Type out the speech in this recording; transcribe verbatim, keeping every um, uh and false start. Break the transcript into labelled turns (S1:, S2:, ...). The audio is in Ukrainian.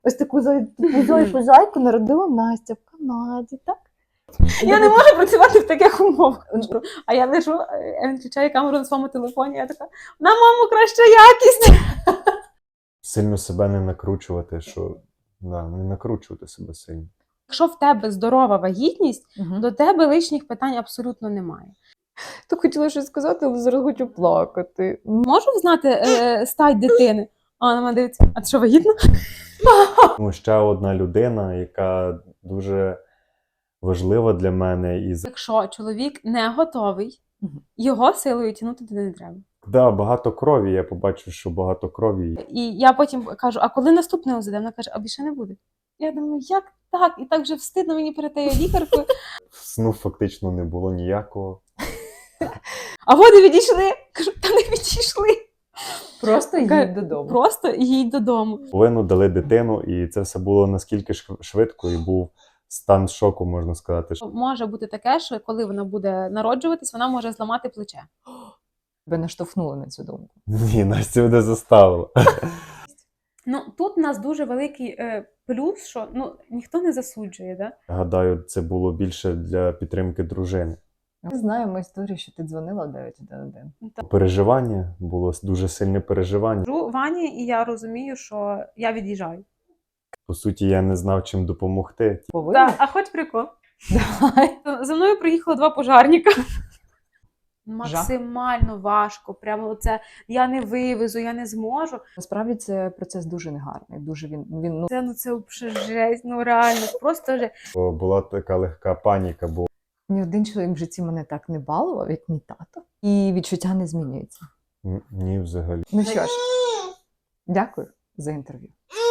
S1: Ось таку зайку зайку народила Настя в Канаді, так?
S2: Я не можу працювати в таких умовах. А я лежу, він включає камеру на своєму телефоні, я така, на маму краща якість.
S3: Сильно себе не накручувати, що да, не накручувати себе сильно.
S2: Якщо в тебе здорова вагітність,
S1: Угу.
S2: до тебе лишніх питань абсолютно немає.
S1: То хотіла щось сказати, але зараз хочу плакати.
S2: Можу знати е, стать дитини? А вона мене дивиться, а ти що, вагітна?
S3: Ну, ще одна людина, яка дуже важлива для мене. І
S2: Якщо чоловік не готовий,
S1: Мгм.
S2: його силою тягнути туди не треба.
S3: да, багато крові. Я побачив, що багато крові.
S2: І я потім кажу, а коли наступне УЗД? Вона каже, а більше не буде. Я думаю, як так? І так вже встидно мені перед тією лікаркою.
S3: Сну фактично не було ніякого.
S2: А вони відійшли. Кажу, та не відійшли.
S1: Просто
S2: Ка-
S1: їдь додому.
S2: Просто їдь додому.
S3: Половину дали дитину, і це все було наскільки шв- швидко, і був стан шоку, можна сказати.
S2: Може бути таке, що коли вона буде народжуватись, вона може зламати плече.
S1: Тебе наштовхнули на цю думку.
S3: Ні, Настя мене заставила.
S2: Ну, тут у нас дуже великий е, плюс, що ну, ніхто не засуджує, да?
S3: Гадаю, це було більше для підтримки дружини.
S1: Ми знаємо історію, що ти дзвонила в дев'ять один один.
S3: Переживання, було дуже сильне переживання.
S2: Кажу Вані, і я розумію, що я від'їжджаю.
S3: По суті, я не знав, чим допомогти.
S1: Повинна?
S2: Так, а хоч прикол.
S1: Давай.
S2: За мною приїхало два пожарника. Максимально важко. Прямо оце я не вивезу, я не зможу.
S1: Насправді це процес дуже негарний. Дуже він, він ну,
S2: Це ну це взагалі жесть, ну реально, просто же.
S3: Бо була така легка паніка, бо
S1: ні один чоловік в житті мене так не балував, як мій тато. І відчуття не змінюється.
S3: н- ні, взагалі.
S1: Ну що ж, дякую за інтерв'ю.